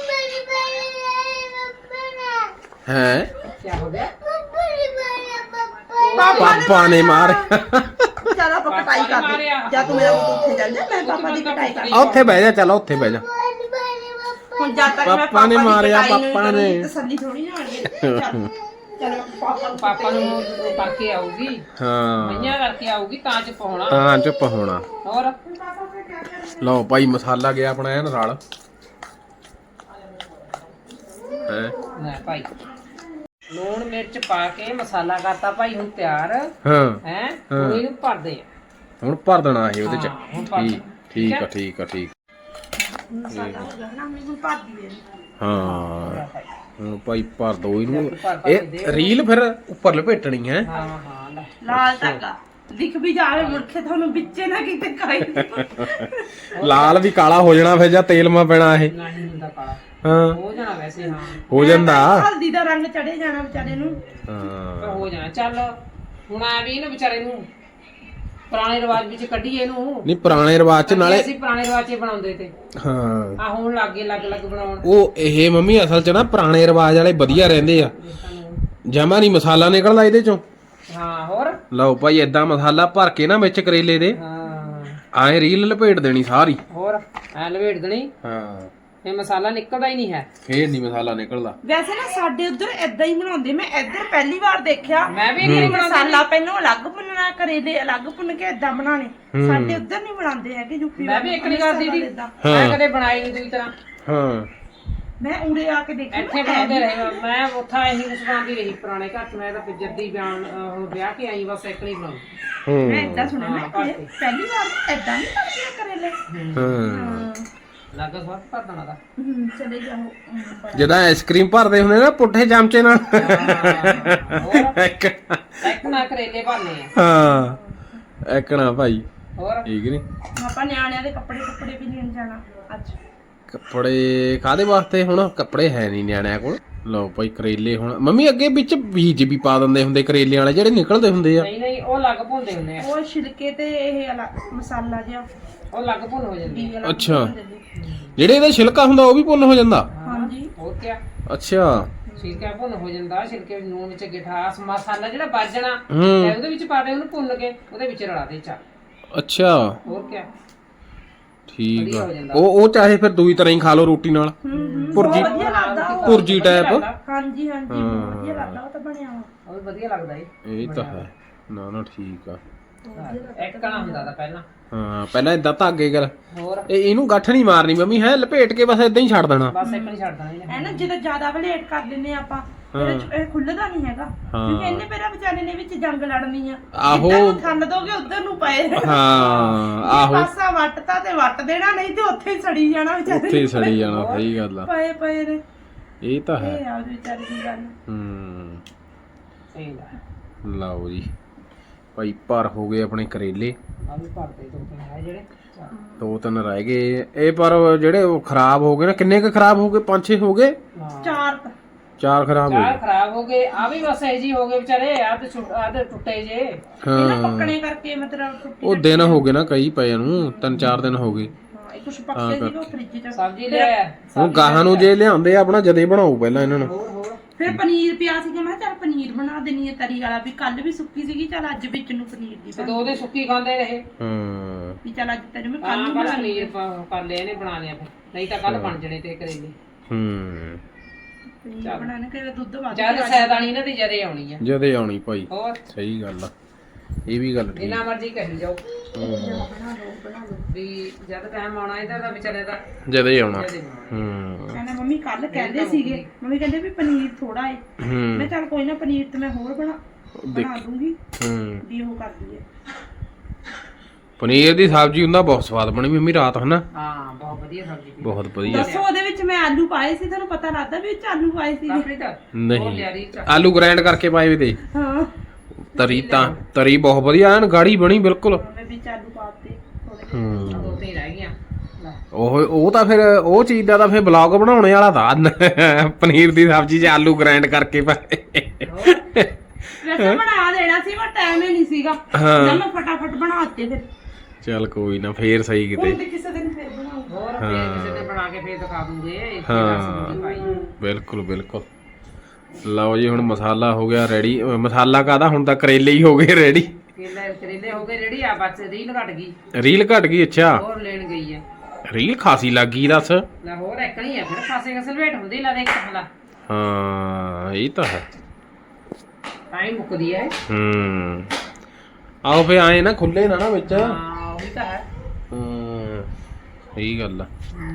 Speaker 2: ਹੈ
Speaker 1: ਕੀ ਹੋ ਗਿਆ
Speaker 2: ਪਾਪਾ ਨੇ ਮਾਰਿਆ
Speaker 3: ਚੱਲ ਆਪਾਂ ਕਟਾਈ ਕਰਦੇ ਜਾਂ ਤੂੰ ਮੇਰਾ ਪੁੱਤ ਉੱਥੇ ਚੱਲ ਜਾ ਮੈਂ ਪਾਪਾ ਦੀ ਕਟਾਈ ਕਰ
Speaker 2: ਆ ਉੱਥੇ ਬਹਿ ਜਾ ਚਲ ਉੱਥੇ ਬਹਿ ਜਾ
Speaker 3: ਹੁਣ ਜਦ ਤੱਕ ਮੈਂ
Speaker 2: ਪਾਪਾ ਨੇ
Speaker 3: ਦੀ
Speaker 2: ਮਾਰਿਆ,
Speaker 3: ਕਟਾਈ ਨਹੀਂ
Speaker 2: ਪਾਪਾ ਨੇ।
Speaker 3: ਕਰੂੰਗੀ, ਤਸੱਲੀ ਥੋੜੀ ਨਾ ਹੋਣੀ ਚਲ
Speaker 1: ਪਾਪਾ ਨੂੰ ਉਹ ਕਰਕੇ ਆਊਗੀ
Speaker 2: ਹਾਂ
Speaker 1: ਮਈਆਂ ਕਰਕੇ ਆਊਗੀ ਤਾਂ ਚ ਪਾਉਣਾ
Speaker 2: ਤਾਂ ਚੁੱਪ ਹੋਣਾ
Speaker 1: ਹੋਰ
Speaker 2: ਲਓ ਭਾਈ ਮਸਾਲਾ ਗਿਆ ਆਪਣਾ ਐਨ ਰਲ ਹੈ
Speaker 1: ਲੈ ਭਾਈ ਲੂਣ ਮਿਰਚ ਪਾ ਕੇ ਮਸਾਲਾ ਕਰਤਾ ਭਾਈ ਹੁਣ ਤਿਆਰ
Speaker 2: ਹਾਂ
Speaker 1: ਹੈ ਹੁਣ ਇਹਨੂੰ ਭਰਦੇ ਆ
Speaker 2: ਹੁਣ ਭਰ ਦੇਣਾ ਇਹ ਉਹਦੇ ਚ
Speaker 1: ਹਾਂ, ਹੁਣ ਭਰ
Speaker 2: ਠੀਕ
Speaker 1: ਦੇਣਾ।
Speaker 2: ਠੀਕ ਆ ਠੀਕ ਆ ਠੀਕ
Speaker 3: ਮਸਾਲਾ ਹੋ ਗਿਆ ਨਾ ਮੈਨੂੰ ਭਰ ਦਈਏ
Speaker 2: ਹਾਂ ਹੁਣ ਭਾਈ ਭਰ ਦੋ ਇਹਨੂੰ
Speaker 1: ਭਰ
Speaker 2: ਇਹ ਰੀਲ ਫਿਰ ਉੱਪਰ ਲਪੇਟਣੀ ਹੈ
Speaker 1: ਹਾਂ ਹਾਂ ਲੈ
Speaker 3: ਲਾਲ ਧਾਗਾ ਦਿਖ ਵੀ ਜਾਵੇ ਮੁਰਖੇ ਤੁਹਾਨੂੰ ਵਿੱਚੇ ਨਾ ਕਿਤੇ ਕਾਈ
Speaker 2: ਲਾਲ ਵੀ ਕਾਲਾ ਹੋ ਜਾਣਾ ਫਿਰ ਜਾਂ ਤੇਲ ਮਾ ਪੈਣਾ ਇਹ
Speaker 1: ਨਹੀਂ ਹੁੰਦਾ ਕਾਲਾ
Speaker 2: ਹਾਂ
Speaker 1: ਹੋ ਜਾਣਾ ਵੈਸੇ ਹਾਂ
Speaker 2: ਹੋ ਜਾਂਦਾ
Speaker 3: ਹਲਦੀ ਦਾ ਰੰਗ ਚੜੇ ਜਾਣਾ ਵਿਚਾਰੇ ਨੂੰ
Speaker 2: ਹਾਂ
Speaker 1: ਪਰ ਹੋ ਜਾਣਾ ਚੱਲ ਹੁਣ ਆ ਵੀ ਇਹਨੂੰ ਵਿਚਾਰੇ ਨੂੰ ਪੁਰਾਣੇ ਰਿਵਾਜ ਵਿੱਚ ਕੱਢੀਏ ਇਹਨੂੰ
Speaker 2: ਨਹੀਂ ਪੁਰਾਣੇ ਰਿਵਾਜ ਚ ਨਾਲੇ
Speaker 1: ਅਸੀਂ ਪੁਰਾਣੇ ਰਿਵਾਜ 'ਚ ਬਣਾਉਂਦੇ ਤੇ
Speaker 2: ਹਾਂ
Speaker 1: ਆ ਹੁਣ ਲੱਗੇ ਲੱਗ ਬਣਾਉਣ
Speaker 2: ਉਹ ਇਹ ਮੰਮੀ ਅਸਲ ਚ ਨਾ ਪੁਰਾਣੇ ਰਿਵਾਜ ਵਾਲੇ ਵਧੀਆ ਰਹਿੰਦੇ ਆ ਜਮਾ ਨਹੀਂ ਮਸਾਲਾ ਨਿਕਲਦਾ ਇਹਦੇ ਚੋਂ
Speaker 1: ਹਾਂ ਹੋਰ
Speaker 2: ਲਓ ਭਾਈ ਏਦਾਂ ਮਸਾਲਾ ਭਰ ਕੇ ਨਾ ਵਿੱਚ ਕਰੇਲੇ ਦੇ
Speaker 1: ਹਾਂ
Speaker 2: ਆਏ ਰੀਲ ਲਪੇਟ ਦੇਣੀ ਸਾਰੀ
Speaker 1: ਹੋਰ ਐ ਲਵੇਟ ਦੇਣੀ
Speaker 2: ਹਾਂ
Speaker 1: ਇਹ ਮਸਾਲਾ ਨਿਕਲਦਾ ਹੀ ਨਹੀਂ ਹੈ
Speaker 2: ਫੇਰ ਨਹੀਂ ਮਸਾਲਾ ਨਿਕਲਦਾ
Speaker 3: ਵੈਸੇ ਨਾ ਸਾਡੇ ਉਧਰ ਏਦਾਂ ਹੀ ਬਣਾਉਂਦੇ ਮੈਂ ਇੱਧਰ ਪਹਿਲੀ ਵਾਰ ਦੇਖਿਆ
Speaker 1: ਮੈਂ ਵੀ ਇਹ
Speaker 3: ਮਸਾਲਾ ਪਹਿਲਾਂ ਅਲੱਗ ਭੁੰਨਣਾ ਕਰੇਲੇ ਅਲੱਗ ਭੁੰਨ ਕੇ ਏਦਾਂ ਬਣਾਣੇ ਸਾਡੇ ਉਧਰ ਨਹੀਂ ਬਣਾਉਂਦੇ ਹੈਗੇ ਯੂਪੀ
Speaker 1: ਮੈਂ ਵੀ ਇੱਕ ਨਹੀਂ ਕਰਦੀ ਦੀ
Speaker 3: ਏਦਾਂ।
Speaker 1: ਮੈਂ ਕਦੇ ਬਣਾਈ ਨਹੀਂ ਦੂਜੀ ਤਰ੍ਹਾਂ
Speaker 2: ਹਾਂ
Speaker 3: ਮੈਂ ਉਰੇ ਆ ਕੇ ਦੇਖਿਆ
Speaker 1: ਇੱਥੇ ਬਣਾਉਂਦੇ ਰਹੇ ਮੈਂ ਉੱਥਾ ਇਹੀ ਕੁਛ ਬਣਾਉਂਦੀ ਰਹੀ ਪੁਰਾਣੇ ਘਰ 'ਚ ਮੈਂ ਤਾਂ ਜੱਦੀ ਬਿਆਨ ਵਿਆਹ ਕੇ ਆਈ ਬਸ ਇੱਕ ਨਹੀਂ ਬਣਾਉਂਦੀ
Speaker 3: ਮੈਂ ਏਦਾਂ ਸੁਣਿਆ ਮੈਂ ਕਿਹਾ, ਪਹਿਲੀ ਵਾਰ ਏਦਾਂ ਨਹੀਂ ਕਰਦੇ ਕਰੇਲੇ
Speaker 2: ਹਾਂ
Speaker 1: ਲੱਗ ਸਵਾਦ ਭਰ ਦੇਣਾ ਦਾ
Speaker 3: ਚਲੇ ਜਾਓ
Speaker 2: ਜਦੋਂ ਆਈਸਕ੍ਰੀਮ ਭਰਦੇ ਹੁੰਦੇ ਨਾ ਪੁੱਠੇ ਚਮਚੇ ਨਾਲ
Speaker 1: ਹੋਰ ਇੱਕ ਨਾ ਕਰੇਲੇ ਭਰਨੇ ਆ
Speaker 2: ਹਾਂ ਐਕਣਾ ਭਾਈ
Speaker 1: ਹੋਰ
Speaker 2: ਠੀਕ ਨਹੀਂ
Speaker 3: ਆਪਾਂ ਨਿਆਣਿਆਂ ਦੇ ਕੱਪੜੇ ਵੀ ਲੈਣ ਜਾਣਾ ਅੱਜ
Speaker 2: ਕੱਪੜੇ ਕਾਦੇ ਵਾਸਤੇ ਹੁਣ ਕੱਪੜੇ ਹੈ ਨਹੀਂ ਨਿਆਣਿਆਂ ਕੋਲ ਲਓ ਭਾਈ ਕਰੇਲੇ ਹੁਣ ਮੰਮੀ ਅੱਗੇ ਵਿੱਚ ਬੀਜ ਵੀ ਪਾ ਦਿੰਦੇ ਹੁੰਦੇ ਕਰੇਲੇ ਵਾਲੇ ਜਿਹੜੇ ਨਿਕਲਦੇ ਹੁੰਦੇ ਆ
Speaker 1: ਨਹੀਂ ਨਹੀਂ ਉਹ ਲੱਗ ਭੁੰਦੇ ਹੁੰਦੇ ਆ
Speaker 3: ਉਹ ਛਿਲਕੇ ਤੇ ਇਹ ਮਸਾਲਾ ਜਿਹਾ
Speaker 1: ਉਹ ਲੱਗ ਭੁੰਨ ਹੋ ਜਾਂਦੀ
Speaker 3: ਵੀ ਅਲੱਗ
Speaker 2: ਅੱਛਾ
Speaker 3: ਹੁੰਦੇ ਨੇ।
Speaker 2: ਜਿਹੜੇ ਇਹਦਾ ਛਿਲਕਾ ਹੁੰਦਾ ਉਹ ਵੀ ਭੁੰਨ ਹੋ ਜਾਂਦਾ
Speaker 3: ਹਾਂਜੀ
Speaker 1: ਹੋਰ ਕੀ
Speaker 2: ਅੱਛਾ
Speaker 1: ਛਿਲਕਾ ਭੁੰਨ ਹੋ ਜਾਂਦਾ ਛਿਲਕੇ ਨੂੰ ਨੂਣ ਵਿੱਚ ਗਿਠਾਸ ਮਸਾਲਾ ਜਿਹੜਾ ਵੱਜਣਾ
Speaker 2: ਹੂੰ
Speaker 1: ਤੇ ਉਹਦੇ ਵਿੱਚ ਪਾ ਦੇ ਉਹਨੂੰ ਭੁੰਨ ਕੇ ਉਹਦੇ ਵਿੱਚ ਰਲਾ ਦੇ ਚਾ
Speaker 2: ਅੱਛਾ
Speaker 1: ਹੋਰ ਕੀ
Speaker 2: ਠੀਕ
Speaker 1: ਵਧੀਆ
Speaker 2: ਆ
Speaker 1: ਹੋ ਜਾਂਦਾ।
Speaker 2: ਉਹ ਚਾਹੇ ਫਿਰ ਦੂਈ ਤਰ੍ਹਾਂ ਹੀ ਖਾ ਲਓ ਰੋਟੀ ਨਾਲ ਭੁਰਜੀ
Speaker 3: ਬਹੁਤ ਵਧੀਆ ਲੱਗਦਾ ਉਹ।
Speaker 2: ਭੁਰਜੀ ਟਾਈਪ
Speaker 3: ਹਾਂਜੀ ਹਾਂਜੀ ਬਹੁਤ ਵਧੀਆ ਲੱਗਦਾ ਉਹ ਤਾਂ ਬਣਿਆ ਵਾ
Speaker 1: ਉਹ ਵੀ ਵਧੀਆ ਲੱਗਦਾ ਏ
Speaker 2: ਇਹ ਤਾਂ ਹੈ ਨਾ ਨਾ ਠੀਕ ਆ
Speaker 1: ਇੱਕ ਕਣਾ ਹੁੰਦਾ ਤਾਂ ਪਹਿਲਾਂ
Speaker 2: ਹਾਂ ਪਹਿਲਾਂ ਇਦਾਂ ਧਾਗੇ ਕਰ
Speaker 1: ਹੋਰ
Speaker 2: ਇਹਨੂੰ ਗੱਠ ਨਹੀਂ ਮਾਰਨੀ ਮੰਮੀ ਹੈ ਲਪੇਟ ਕੇ ਬਸ ਇਦਾਂ ਹੀ ਛੱਡ ਦੇਣਾ
Speaker 1: ਬਸ ਇੱਕ ਨਹੀਂ ਛੱਡ ਦੇਣਾ ਇਹਨੇ
Speaker 3: ਹੈ ਨਾ ਜਦੋਂ ਜ਼ਿਆਦਾ ਵਲੇਟ ਕਰ ਦਿੰਨੇ ਆਪਾਂ ਇਹ ਖੁੱਲਦਾ ਨਹੀਂ ਹੈਗਾ ਕਿਉਂਕਿ ਇਹਨੇ ਮੇਰਾ ਵਿਚਾਰੇ ਨੇ ਵਿੱਚ ਜੰਗ ਲੜਨੀ ਆ
Speaker 2: ਆਹੋ।
Speaker 3: ਜਿੱਦਾਂ ਨੂੰ ਥੰਨ ਦੋਗੇ ਉਧਰ ਨੂੰ ਪਏ ਰਹਿਣਾ।
Speaker 2: ਹਾਂ
Speaker 3: ਜੇ
Speaker 2: ਆਹੋ
Speaker 3: ਪਾਸਾ ਵੱਟਤਾ ਤੇ ਵੱਟ ਦੇਣਾ ਨਹੀਂ ਤੇ ਉੱਥੇ ਹੀ ਸੜੀ ਜਾਣਾ ਵਿਚਾਰੇ
Speaker 2: ਉੱਥੇ ਹੀ ਸੜੀ ਜਾਣਾ ਸਹੀ ਗੱਲ ਆ
Speaker 3: ਪਏ ਨੇ
Speaker 2: ਇਹ ਤਾਂ ਹੈ
Speaker 3: ਇਹ ਆ ਉਹਦੇ ਵਿਚਾਰੇ ਦੀ ਗੱਲ
Speaker 1: ਸਹੀ ਦਾ
Speaker 2: ਲਓ ਜੀ ਭਾਈ ਭਰ ਹੋ ਗਏ ਆਪਣੇ ਕਰੇਲੇ
Speaker 1: ਆ ਵੀ ਭਰਦੇ ਦੋ ਤਿੰਨ ਹੈ ਜਿਹੜੇ ਚੱਲ।
Speaker 2: 2-3 ਰਹਿ ਗਏ ਇਹ ਪਰ ਜਿਹੜੇ ਉਹ ਖਰਾਬ ਹੋ ਗਏ ਨਾ ਕਿੰਨੇ ਕੁ ਖਰਾਬ ਹੋ ਗਏ 5-6 ਹੋ ਗਏ
Speaker 1: ਹਾਂ
Speaker 3: ਚਾਰ
Speaker 2: 4 ਖਰਾਬ ਹੋ
Speaker 1: ਚਾਰ
Speaker 2: ਗਏ
Speaker 1: ਖਰਾਬ ਹੋ ਗਏ ਆ ਵੀ ਬਸ ਇਹ ਜੀ ਹੋ ਗਏ ਵਿਚਾਰੇ ਆ ਤੇ ਟੁੱਟੇ ਜੇ
Speaker 3: ਇਹਨਾਂ
Speaker 2: ਹਾਂ
Speaker 3: ਪੱਕਣੇ ਕਰਕੇ ਮਤਲਬ ਟੁੱਟੀ
Speaker 2: ਉਹ ਦਿਨ ਹੋ ਗਏ ਨਾ ਕਈ ਪਏ ਨੂੰ 3-4 ਦਿਨ ਹੋ ਗਏ
Speaker 3: ਹਾਂ ਇਹ ਕੁਛ ਪੱਕੇ ਸੀਗੇ ਉਹ ਫ੍ਰਿਜ ਚ
Speaker 1: ਸਬਜ਼ੀ ਲੈ
Speaker 2: ਹੁਣ ਗਾਹਾਂ ਨੂੰ ਜੇ ਲਿਆਉਂਦੇ ਆ ਆਪਣਾ ਜਦੇ ਬਣਾਓ ਪਹਿਲਾਂ ਇਹਨਾਂ ਨੂੰ
Speaker 1: ਹੋਰ ਹੋਰ
Speaker 3: ਫਿਰ ਪਨੀਰ ਪਿਆ ਸੀਗਾ ਮੈਂ ਕਿਹਾ ਚੱਲ ਪਨੀਰ ਬਣਾ ਦੇਣੀ ਹੈ ਤਰੀ ਵਾਲਾ ਵੀ ਕੱਲ ਵੀ ਸੁੱਕੀ ਸੀਗੀ ਚੱਲ ਅੱਜ ਵਿੱਚ ਨੂੰ ਪਨੀਰ ਦੀ
Speaker 1: ਤੇ ਦੋ ਦੇ ਸੁੱਕੀ ਖਾਂਦੇ ਰਹੇ
Speaker 2: ਹਾਂ
Speaker 3: ਵੀ ਚੱਲ ਅੱਜ ਤੈਨੂੰ ਮੈਂ ਕੱਲ
Speaker 1: ਹਾਂ
Speaker 3: ਨੂੰ
Speaker 1: ਕੱਲ
Speaker 3: ਬਣਾ
Speaker 1: ਪਨੀਰ ਕਰ ਲਿਆ ਇਹਨੇ ਬਣਾ ਲਿਆ ਫਿਰ ਨਹੀਂ ਤਾਂ ਕੱਲ ਬਣ ਜਣੇ ਤੇ ਕਰੇਲੇ
Speaker 3: ਪਨੀਰ ਬਣਾਣੇ ਕਿ ਦੁੱਧ ਵੱਧ
Speaker 1: ਜਦ ਸੈਦਾਨੀ ਇਹਨਾਂ ਦੀ ਜਦੇ ਆਉਣੀ ਆ
Speaker 2: ਜਦੇ ਆਉਣੀ ਭਾਈ
Speaker 1: ਹੋਰ
Speaker 2: ਸਹੀ ਗੱਲ ਆ ਇਹ ਵੀ ਗੱਲ ਠੀਕ
Speaker 1: ਜਿੰਨਾ ਮਰਜ਼ੀ ਕਹੀ ਜਾਓ
Speaker 3: ਬਣਾ ਲਓ
Speaker 1: ਵੀ ਜਦ ਟਾਈਮ ਆਉਣਾ ਇਹਦਾ ਤਾਂ ਵਿਚਾਰੇ ਦਾ
Speaker 2: ਜਦੇ ਹੀ ਆਉਣਾ
Speaker 1: ਜਦੇ ਆਉਣਾ।
Speaker 3: ਕਹਿੰਦਾ ਮੰਮੀ ਕੱਲ ਕਹਿੰਦੇ ਸੀਗੇ ਮੰਮੀ ਕਹਿੰਦੇ ਵੀ ਪਨੀਰ ਥੋੜਾ ਏ ਮੈਂ ਚੱਲ ਕੋਈ ਨਾ ਪਨੀਰ ਤੇ ਮੈਂ ਹੋਰ ਬਣਾ ਦੂੰਗੀ ਵੀ ਉਹ ਕਰ ਦਈਏ
Speaker 2: ਪਨੀਰ ਦੀ ਸਬਜ਼ੀ ਹੁੰਦਾ ਬਹੁਤ ਸਵਾਦ ਬਣੀ ਮੰਮੀ ਰਾਤ ਹਨਾ।
Speaker 1: ਹਾਂ ਬਹੁਤ ਵਧੀਆ ਸਬਜ਼ੀ ਸੀ।
Speaker 2: ਬਹੁਤ ਵਧੀਆ।
Speaker 3: ਦੱਸੋ ਉਹਦੇ ਵਿੱਚ ਮੈਂ ਆਲੂ ਪਾਏ ਸੀ, ਤੁਹਾਨੂੰ ਪਤਾ ਲੱਗਦਾ ਵੀ ਵਿੱਚ ਆਲੂ ਪਾਏ ਸੀ?
Speaker 1: ਕਾਫੀ ਤਾਂ
Speaker 2: ਨਹੀਂ ਆਲੂ ਗ੍ਰਾਈਂਡ ਕਰਕੇ ਪਾਏ ਵੇ ਤੇ
Speaker 3: ਹਾਂ
Speaker 2: ਤਰੀ ਬਹੁਤ ਵਧੀਆ ਐਨ ਗਾੜੀ ਬਣੀ ਬਿਲਕੁਲ।
Speaker 3: ਮੈਂ ਵਿੱਚ ਆਲੂ ਪਾਤੇ ਥੋੜੇ।
Speaker 1: ਦੋ ਤਿੰਨ ਰਹਿ ਗਈਆਂ ਲੈ।
Speaker 2: ਉਹ ਤਾਂ ਫਿਰ ਉਹ ਚੀਜ਼ ਦਾ ਤਾਂ ਫਿਰ ਬਲੌਗ ਬਣਾਉਣੇ ਵਾਲਾ ਤਾਂ ਪਨੀਰ ਦੀ ਸਬਜ਼ੀ 'ਚ ਆਲੂ ਗ੍ਰਾਈਂਡ ਕਰਕੇ ਪਾਏ।
Speaker 3: ਵੈਸੇ ਬਣਾ ਦੇਣਾ ਸੀ ਪਰ ਟਾਈਮ ਹੀ ਨਹੀਂ ਸੀਗਾ।
Speaker 2: ਹਾਂ।
Speaker 3: ਮੈਂ ਫਟਾਫਟ ਬਣਾਤੇ ਫਿਰ।
Speaker 2: ਚੱਲ ਕੋਈ ਨਾ ਫੇਰ ਸਹੀ ਕਿਤੇ।
Speaker 3: ਹੁਣ ਤੇ ਕਿਸੇ ਦਿਨ ਫਿਰ ਬਣਾਉਂਗਾ।
Speaker 1: ਹੋਰ ਫੇਰ ਕਿਸੇ ਨੇ ਬਣਾ ਕੇ ਫੇਰ ਦਿਖਾ ਦੂੰਗੇ।
Speaker 2: ਹਾਂ ਬਿਲਕੁਲ ਬਿਲਕੁਲ। ਲਓ ਜੀ ਹੁਣ ਮਸਾਲਾ ਹੋ ਗਿਆ ਰੈਡੀ। ਮਸਾਲਾ ਕਾਹਦਾ ਹੁਣ ਤਾਂ ਕਰੇਲੇ ਹੀ ਹੋ ਗਏ ਰੈਡੀ।
Speaker 1: ਕਰੇਲੇ ਹੋ ਗਏ ਜਿਹੜੀ ਆ ਬਸ ਰੀਲ ਘਟ ਗਈ।
Speaker 2: ਰੀਲ ਘਟ ਗਈ ਅੱਛਾ।
Speaker 1: ਹੋਰ ਲੈਣ ਗਈ ਹੈ।
Speaker 2: ਰੀਲ ਖਾਸੀ ਲੱਗ ਗਈ ਦੱਸ।
Speaker 1: ਲੈ ਹੋਰ ਐਕਣੀ ਆ ਫਿਰ ਖਾਸੇ ਕਸਲ ਵੇਟ ਹੁੰਦੀ ਲਾ ਦੇਖ ਹਲਾ।
Speaker 2: ਹਾਂ ਇਹ ਤਾਂ ਹੈ।
Speaker 1: ਟਾਈਮ ਮੁੱਕਦੀ ਹੈ।
Speaker 2: ਆਓ ਫੇ ਆਏ ਨਾ ਖੁੱਲੇ ਨਾ ਵਿੱਚ।
Speaker 1: ਹਾਂ ਉਹੀ ਤਾਂ ਹੈ।
Speaker 2: ਸਹੀ ਗੱਲ ਆ।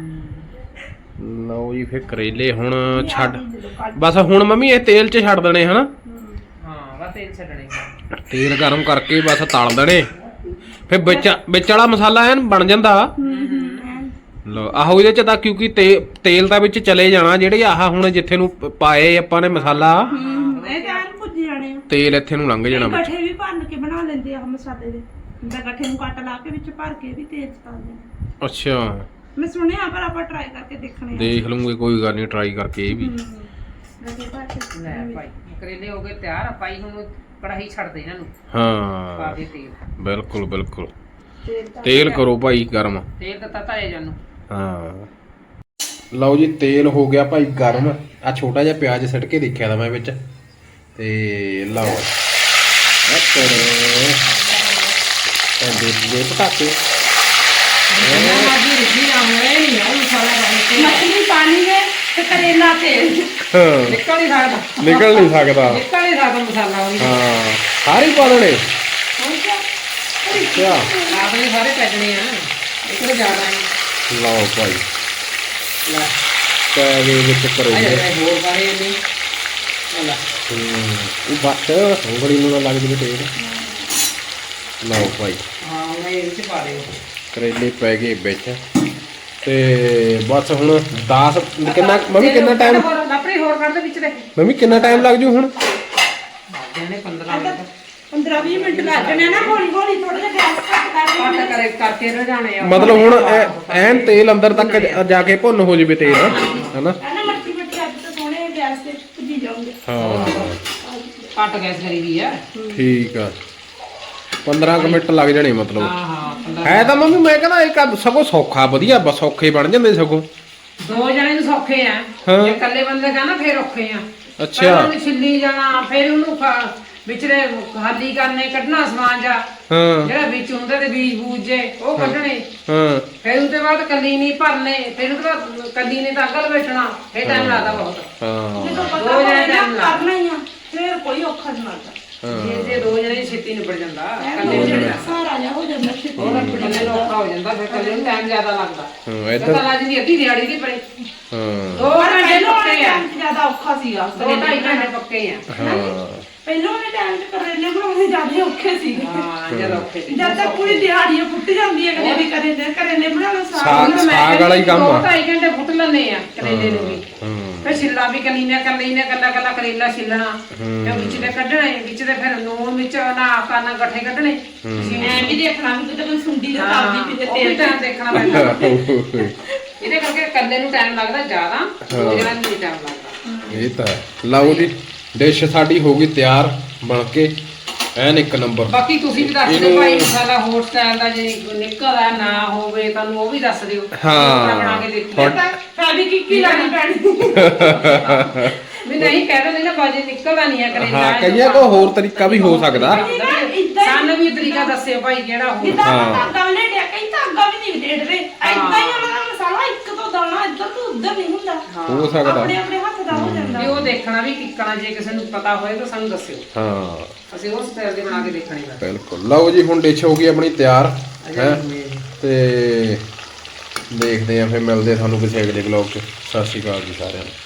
Speaker 2: ਲਓ ਜੀ ਫੇ ਕਰੇਲੇ ਹੁਣ ਛੱਡ ਬਸ ਹੁਣ ਮੰਮੀ ਇਹ ਤੇਲ 'ਚ ਛੱਡ ਦੇਣੇ ਹਨਾ।
Speaker 1: ਹਾਂ ਬਸ ਤੇਲ ਛੱਡਣੇ।
Speaker 2: ਤੇਲ ਗਰਮ ਕਰਕੇ ਬਸ ਤਲ ਦੇਣੇ ਫੇ ਵਿੱਚ ਵਾਲਾ ਮਸਾਲਾ ਐਨ ਬਣ ਜਾਂਦਾ। ਲਓ ਆਹੋ ਇਹਦੇ 'ਚ ਤਾਂ ਕਿਉਂਕਿ ਤੇਲ ਤਾਂ ਵਿੱਚ ਚਲੇ ਜਾਣਾ ਜਿਹੜੇ ਆਹ ਹੁਣ ਜਿੱਥੇ ਨੂੰ ਪਾਏ ਆਪਾਂ ਨੇ ਮਸਾਲਾ
Speaker 3: ਇਹ ਤਾਂ ਭੁੱਜ ਜਾਣੇ ਆ।
Speaker 2: ਤੇਲ ਇੱਥੇ ਨੂੰ ਲੰਘ ਜਾਣਾ।
Speaker 3: ਗੱਠੇ ਵੀ ਭੰਨ ਕੇ ਬਣਾ ਲੈਂਦੇ ਆ ਮਸਾਲੇ ਦੇ। ਜਿੱਦਾਂ ਗੱਠੇ ਨੂੰ ਕੱਟ ਲਾ ਕੇ ਵਿੱਚ ਭਰ ਕੇ ਵੀ ਤੇਲ ਚ ਪਾ ਦਿੰਦੇ।
Speaker 2: ਅੱਛਾ
Speaker 3: ਮੈਂ ਸੁਣਿਆ ਪਰ ਆਪਾਂ ਟਰਾਈ ਕਰਕੇ ਦੇਖਣੇ ਆ।
Speaker 2: ਦੇਖ ਲੂੰਗੇ ਕੋਈ ਗੱਲ ਨਹੀਂ ਟਰਾਈ ਕਰਕੇ ਇਹ ਵੀ।
Speaker 3: ਗੱਠੇ ਭਰ ਕੇ
Speaker 1: ਲੈ ਭਾਈ ਕਰੇਲੇ ਹੋ ਗਏ ਤਿਆਰ। ਭਾਈ ਹੁਣ ਕੜਾਹੀ ਛੱਡ ਦੇ ਇਹਨਾਂ ਨੂੰ।
Speaker 2: ਹਾਂ
Speaker 1: ਪਾ ਦੇ ਤੇਲ।
Speaker 2: ਬਿਲਕੁਲ ਬਿਲਕੁਲ। ਤੇਲ ਕਰੋ ਭਾਈ ਗਰਮ।
Speaker 1: ਤੇਲ ਤਾਂ ਤਤਾ ਹੈ ਜਾਨੂੰ।
Speaker 2: ਹਾਂ ਲਓ ਜੀ ਤੇਲ ਹੋ ਗਿਆ ਭਾਈ ਗਰਮ। ਆ ਛੋਟਾ ਜਿਹਾ ਪਿਆਜ਼ ਸਿੱਟ ਕੇ ਦੇਖਿਆ ਤਾਂ ਮੈਂ ਵਿੱਚ ਤੇ ਲਓ ਦੇ ਪਟਾਕੇ
Speaker 3: ਮਛਲੀ ਪਾਣੀ ਹੈ ਤੇ ਕਰੇਲਾ ਤੇਲ।
Speaker 1: ਨਿਕਲ ਨਹੀਂ ਸਕਦਾ।
Speaker 2: ਨਿਕਲ ਨਹੀਂ ਸਕਦਾ।
Speaker 1: ਨਿਕਲ ਨਹੀਂ ਸਕਦਾ ਮਸਾਲਾ ਉਹਦੀ।
Speaker 2: ਹਾਂ ਸਾਰੇ ਪਾ ਦੇਣੇ। ਅੱਛਾ
Speaker 1: ਆਪਣੇ ਸਾਰੇ ਪੈਣੇ ਆ ਇੱਕ ਤਾਂ ਜ਼ਿਆਦਾ ਹੈ।
Speaker 2: ਲਓ ਭਾਈ
Speaker 1: ਲੈ
Speaker 2: ਪੈ ਗਏ ਵਿੱਚ ਕਰੇਲੇ।
Speaker 1: ਹੋਰ ਬਾਰੇ ਨਹੀਂ ਲੈ
Speaker 2: ਇਹ ਬੱਟ ਉਂਗਲੀ ਨੂੰ ਨਾ ਲੱਗ ਜਵੇ ਤੇਲ। ਲਓ ਭਾਈ
Speaker 1: ਹਾਂ ਮੈਂ ਇਹ ਵਿੱਚ ਪਾ ਦੇ।
Speaker 2: ਕਰੇਲੇ ਪੈ ਗਏ ਵਿੱਚ ਤੇ ਬਸ ਹੁਣ 10 ਕਿੰਨਾ ਮੰਮੀ ਕਿੰਨਾ ਟਾਈਮ
Speaker 1: ਲੱਪੜੀ ਹੋਰ ਕੱਢ ਦੇ ਵਿੱਚ ਦੇ।
Speaker 2: ਮੰਮੀ ਕਿੰਨਾ ਟਾਈਮ ਲੱਗ ਜੂ ਹੁਣ?
Speaker 1: ਇਹਨੇ 15 ਮਿੰਟ
Speaker 3: 15-20 ਮਿੰਟ ਲੱਗ ਜਾਣੇ ਨਾ। ਹੌਲੀ ਹੌਲੀ ਥੋੜਾ ਜਿਹਾ ਗੈਸ ਘੱਟ ਕਰਕੇ
Speaker 1: ਕਰਕੇ ਰਜਾਣੇ ਆ।
Speaker 2: ਮਤਲਬ ਹੁਣ ਐਨ ਤੇਲ ਅੰਦਰ ਤੱਕ ਜਾ ਕੇ ਭੁੰਨ ਹੋ ਜਵੇ ਤੇਲ ਹਨਾ।
Speaker 3: ਨਾ ਮੱਠੀ ਮੱਠੀ ਅੱਜ ਤਾਂ ਸੋਹਣੇ ਗੈਸ ਤੇ ਭੁੱਜੀ ਜਾਓਗੇ।
Speaker 2: ਹਾਂ
Speaker 1: ਘੱਟ ਗੈਸ ਕਰੀ ਵੀ ਆ।
Speaker 2: ਠੀਕ ਆ 15 ਕੁ ਮਿੰਟ ਲੱਗ ਜਾਣੇ ਮਤਲਬ।
Speaker 1: ਹਾਂ ਹਾਂ
Speaker 2: ਹੈ ਤਾਂ ਮੰਮੀ ਮੈਂ ਕਹਿੰਦਾ ਇੱਕ ਸਗੋਂ ਸੌਖਾ ਵਧੀਆ ਬਸ ਸੌਖੇ ਬਣ ਜਾਂਦੇ ਸਗੋਂ।
Speaker 1: ਦੋ ਜਣੇ ਨੂੰ ਸੌਖੇ ਆ।
Speaker 2: ਹਾਂ।
Speaker 1: ਜੇ ਇਕੱਲੇ ਬੰਦੇ ਕਹਿੰਦਾ ਫੇਰ ਔਖੇ ਆ।
Speaker 2: ਅੱਛਾ।
Speaker 1: ਉਹਨੂੰ ਛਿੱਲੀ ਜਾਣਾ ਫੇਰ ਉਹਨੂੰ ਵਿਚਲੇ ਖਾਲੀ ਕਰਨੇ ਕੱਢਣਾ ਸਮਾਨ ਜਾ
Speaker 2: ਹਾਂ
Speaker 1: ਜਿਹੜਾ ਵਿੱਚ ਹੁੰਦੇ ਤੇ ਬੀਜ ਬੂਜ ਜੇ ਉਹ ਕੱਢਣੇ।
Speaker 2: ਹਾਂ
Speaker 1: ਫਿਰ ਉਹਦੇ ਬਾਅਦ ਕੱਲੀ ਨਹੀਂ ਭਰਨੇ। ਫਿਰ ਉਹਦੇ ਬਾਅਦ ਕੱਲੀ ਨੇ ਤਾਂ ਅੱਗਲ ਬੈਠਣਾ। ਫਿਰ ਟਾਈਮ ਲੱਗਦਾ ਬਹੁਤ।
Speaker 2: ਹਾਂ
Speaker 3: ਜਦੋਂ ਪਤਾ ਹੋਵੇ ਨਾ ਕਰਨਾ ਹੀ ਆ ਫਿਰ ਕੋਈ ਔਖਾ ਨਹੀਂ ਲੱਗਦਾ।
Speaker 1: ਜੇ ਦੋ ਜਣੇ ਛੇਤੀ ਨਿਬੜ ਜਾਂਦਾ।
Speaker 3: ਕੱਲੇ ਜਣੇ ਸਾਰਾ ਜਿਹਾ ਹੋ ਜਾਂਦਾ ਛੇਤੀ।
Speaker 1: ਹੋਰ ਕੱਲੇ ਨੂੰ ਔਖਾ ਹੋ ਜਾਂਦਾ। ਫਿਰ ਕੱਲੇ ਨੂੰ ਟਾਈਮ ਜ਼ਿਆਦਾ ਲੱਗਦਾ।
Speaker 2: ਹਾਂ ਇੱਧਰ
Speaker 1: ਪਤਾ ਲੱਗ ਜਾਂਦੀ ਅੱਧੀ ਦਿਹਾੜੀ ਦੀ ਪਰੇ।
Speaker 2: ਹਾਂ
Speaker 1: 2 ਘੰਟੇ ਪੱਕੇ ਆ।
Speaker 3: ਜ਼ਿਆਦਾ ਔਖਾ ਸੀਗਾ।
Speaker 1: 2-2.5 ਘੰਟੇ ਪੱਕੇ ਆ।
Speaker 2: ਹਾਂ
Speaker 3: ਪਹਿਲਾਂ ਵਾਲੇ ਟਾਈਮ 'ਚ ਕਰੇਲੇ ਬਣਾਉਣੇ ਜ਼ਿਆਦਾ ਔਖੇ ਸੀਗੇ।
Speaker 1: ਹਾਂ ਜਦ ਔਖੇ ਸੀ।
Speaker 3: ਜਦ ਤੱਕ ਪੂਰੀ ਦਿਹਾੜੀਆਂ ਫੁੱਟ ਜਾਂਦੀ ਹੈ ਕਦੇ ਵੀ ਕਰੇਲੇ ਬਣਾਉਣਾ
Speaker 2: ਸਾਗ ਵਾਲਾ ਹੀ ਕੰਮ ਆ।
Speaker 1: 2-2.5 ਘੰਟੇ ਫੁੱਟ ਲੈਂਦੇ ਆ ਕਰੇਲੇ ਨੂੰ ਵੀ।
Speaker 2: ਹਾਂ
Speaker 1: ਫਿਰ ਛਿੱਲਾ ਵੀ ਕੱਲੀ ਨੇ ਕੱਲਾ ਕਰੇਲਾ ਛਿੱਲਣਾ। ਫਿਰ ਵਿੱਚ ਦੇ ਕੱਢਣੇ ਵਿੱਚ ਦੇ ਫਿਰ ਨੂਣ ਵਿੱਚ ਨਾ ਕਾਨਾ ਗੱਠੇ ਕੱਢਣੇ।
Speaker 3: ਐ ਵੀ ਦੇਖਣਾ ਵੀ ਕਿਤੇ ਮੈਂ ਸੁੰਡੀ ਦੇ ਤਾਬਦੀ ਵੀ
Speaker 1: ਤੇਲ
Speaker 3: ਤੇਲ
Speaker 1: ਤਾਂ ਦੇਖਣਾ ਪੈਂਦਾ। ਇਹਦੇ ਕਰਕੇ ਕੱਲੇ ਨੂੰ ਟਾਈਮ ਲੱਗਦਾ ਜ਼ਿਆਦਾ। ਦੂਜੇ ਨੂੰ ਨਹੀਂ ਟਾਈਮ ਲੱਗਦਾ।
Speaker 2: ਇਹ ਤਾਂ ਲਓ ਜੀ ਡਿਸ਼ ਸਾਡੀ ਹੋ ਗਈ ਤਿਆਰ ਬਣ ਕੇ ਐਨ ਇੱਕ ਨੰਬਰ।
Speaker 1: ਬਾਕੀ ਤੁਸੀਂ ਵੀ ਦੱਸ ਦਿਓ ਭਾਈ ਮਸਾਲਾ ਹੋਰ ਸਟਾਈਲ ਦਾ ਜੇ ਨਿਕਲਦਾ ਨਾ ਹੋਵੇ ਤੁਹਾਨੂੰ ਉਹ ਵੀ ਦੱਸ ਦਿਓ।
Speaker 2: ਹਾਂ।
Speaker 1: ਬਣਾ ਕੇ ਦੇਖੋ।
Speaker 3: ਫੈਬੀ ਕੀ ਲਾਣੀ ਪੈਣੀ।
Speaker 1: ਵੀ ਨਹੀਂ ਕਹਿ ਦਿੰਦੇ ਨਾ ਬਾਜੀ ਨਿਕਲਦਾ ਨਹੀਂ ਹੈ ਕਰੇਲਾ।
Speaker 2: ਹਾਂ ਕਈਆਂ ਕੋ ਹੋਰ ਤਰੀਕਾ ਵੀ ਹੋ ਸਕਦਾ।
Speaker 1: ਸਾਨੂੰ ਵੀ ਤਰੀਕਾ ਦੱਸਿਓ ਭਾਈ ਕਿਹੜਾ ਹੋ।
Speaker 3: ਜਿੱਦਾਂ ਧਾਗਾ ਵੀ ਡਿਆ ਕਈ ਧਾਗਾ ਵੀ ਨਹੀਂ ਡੇੜਦੇ। ਐਦਾਂ ਹੀ ਉਹਨਾਂ ਦਾ ਮਸਾਲਾ ਇੱਕ ਤੋਂ ਦਾਣਾ ਇੱਧਰ ਤੋਂ ਉੱਧਰ ਨਹੀਂ ਹੁੰਦਾ।
Speaker 2: ਹੋ ਸਕਦਾ
Speaker 3: ਆਪਣੇ ਆਪਣੇ ਹੱਥ ਦਾ ਹੋ ਜਾਂਦਾ।
Speaker 1: ਵੀ ਉਹ ਦੇਖਣਾ ਵੀ ਕਿੱਕਣਾ ਜੇ ਕਿਸੇ ਨੂੰ ਪਤਾ ਹੋਏ ਤਾਂ ਸਾਨੂੰ ਦੱਸਿਓ।
Speaker 2: ਹਾਂ
Speaker 1: ਅਸੀਂ ਉਸ ਸਟਾਈਲ ਦੇ ਬਣਾ ਕੇ ਦੇਖਣੀ ਹੈ।
Speaker 2: ਬਿਲਕੁਲ ਲਓ ਜੀ ਹੁਣ ਡਿਸ਼ ਹੋ ਗਈ ਆਪਣੀ ਤਿਆਰ ਹੈ ਤੇ ਦੇਖਦੇ ਆਂ ਫਿਰ ਮਿਲਦੇ ਤੁਹਾਨੂੰ ਕਿਸੇ ਅਗਲੇ ਵਲੌਗ 'ਚ। ਸਤਿ ਸ਼੍ਰੀ ਅਕਾਲ ਜੀ ਸਾਰਿਆਂ ਨੂੰ।